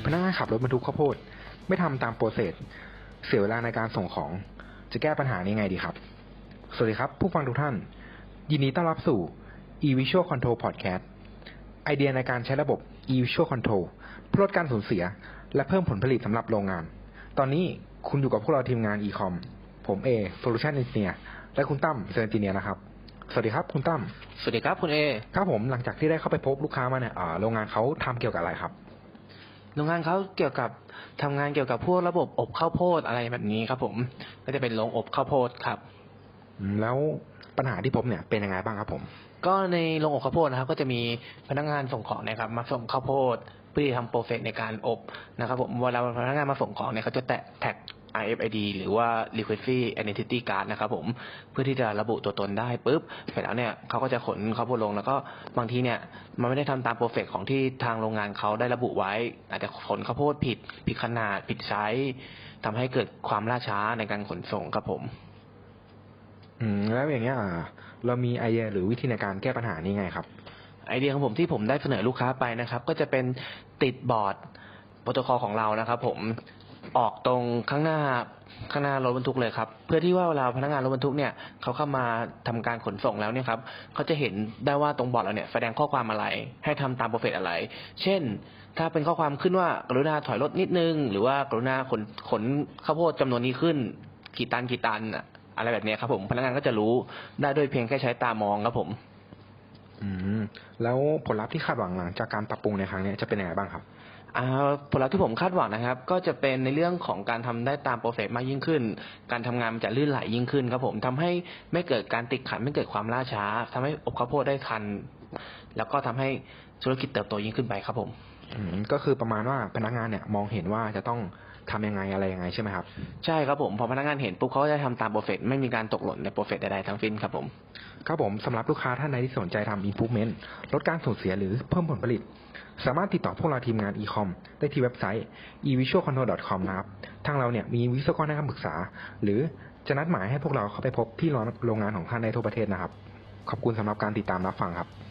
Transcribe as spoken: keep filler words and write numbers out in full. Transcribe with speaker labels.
Speaker 1: นักงานขับรถบรรทุกข้าวโพดไม่ทำตามโปรเซสเสียเวลาในการส่งของจะแก้ปัญหานี้ไงดีครับสวัสดีครับผู้ฟังทุกท่านยินดีต้อนรับสู่ e-visual control podcast ไอเดียในการใช้ระบบ e-visual control เพื่อลดการสูญเสียและเพิ่มผลผลิตสำหรับโรงงานตอนนี้คุณอยู่กับพวกเราทีมงาน e-com ผมเอ Solution Engineer และคุณตั้ม Sales Engineer นะครับสวัสดีครับคุณตั้ม
Speaker 2: สวัสดีครับคุณเอ
Speaker 1: ครับผมหลังจากที่ได้เข้าไปพบลูกค้ามาเนี่ยโรงงานเขาทำเกี่ยวกับอะไรครับ
Speaker 2: โรงงานเขาเกี่ยวกับทำงานเกี่ยวกับพวกระบบอบข้าวโพดอะไรแบบนี้ครับผมก็จะเป็นโรงอบข้าวโพดครับ
Speaker 1: แล้วปัญหาที่พบเนี่ยเป็นยังไงบ้างครับผม
Speaker 2: ก็ในโรงอบข้าวโพดนะครับก็จะมีพนักงานส่งของนะครับมาส่งข้าวโพดเพื่อทำโปรเซสในการอบนะครับผมเวลาพนักงานมาส่งของเนี่ยเขาจะแตะแท็ก อาร์ เอฟ ไอ ดี หรือว่า Requisite Identity Card นะครับผมเพื่อที่จะระบุตัวตนได้ปุ๊บเสร็จแล้วเนี่ยเขาก็จะขนข้าวโพดลงแล้วก็บางทีเนี่ยมันไม่ได้ทำตามโปรเซสของที่ทางโรงงานเขาได้ระบุไว้อาจจะขนข้าวโพดผิดผิดขนาดผิดไซส์ทำให้เกิดความล่าช้าในการขนส่งครับผม
Speaker 1: อืมแล้วอย่างเงี้ยเรามีไอเดียหรือวิธีในการแก้ปัญหานี้ไงครับ
Speaker 2: ไอเดียของผมที่ผมได้เสนอลูกค้าไปนะครับก็จะเป็นติดบอร์ดโปรโตคอลของเรานะครับผมออกตรงข้างหน้าข้างหน้ารถบรรทุกเลยครับเพื่อที่ว่าเวลาพนักงานรถบรรทุกเนี่ยเขาเข้ามาทำการขนส่งแล้วเนี่ยครับเขาจะเห็นได้ว่าตรงบอร์ดเราเนี่ยแสดงข้อความอะไรให้ทำตามโปรเซสอะไรเช่นถ้าเป็นข้อความขึ้นว่ากรุณาถอยรถนิดนึงหรือว่ากรุณาขนขนข้าวโพดจำนวนนี้ขึ้นกี่ตันกี่ตันอะไรแบบนี้ครับผมพนักงานก็จะรู้ได้ด้วยเพียงแค่ใช้ตามองครับผม
Speaker 1: อืมแล้วผลลัพธ์ที่คาดหวังหลังจากการปรับปรุงในครั้งนี้จะเป็นยังไงบ้างครับ
Speaker 2: ผลลัพธ์ที่ผมคาดหวังนะครับก็จะเป็นในเรื่องของการทำได้ตามโปรเซสมากยิ่งขึ้นการทำงานมันจะลื่นไหลยิ่งขึ้นครับผมทำให้ไม่เกิดการติดขัดไม่เกิดความล่าช้าทำให้อบข้าวโพดได้ทันแล้วก็ทำให้ธุรกิจเติบโตยิ่งขึ้นไปครับผม
Speaker 1: อืมก็คือประมาณว่าพนักงานเนี่ยมองเห็นว่าจะต้องทำยังไงอะไรยังไงใช่ไหมครับ
Speaker 2: ใช่ครับผมพอพนักงานเห็นปุ๊บเขาก็จะทำตามโปรเซสไม่มีการตกหล่นในโปรเซสใดๆทั้งสิ้นครับผม
Speaker 1: ครับผมสำหรับลูกค้าท่านใดที่สนใจทำ improvement ลดการสูญเสียหรือเพิ่มผลผลิตสามารถติดต่อพวกเราทีมงาน e-com ได้ที่เว็บไซต์ e visual control dot com นะครับทางเราเนี่ยมีวิศวกรให้คำปรึกษาหรือจะนัดหมายให้พวกเราเข้าไปพบที่โรงงานของท่านในทั่วประเทศนะครับขอบคุณสำหรับการติดตามรับฟังครับ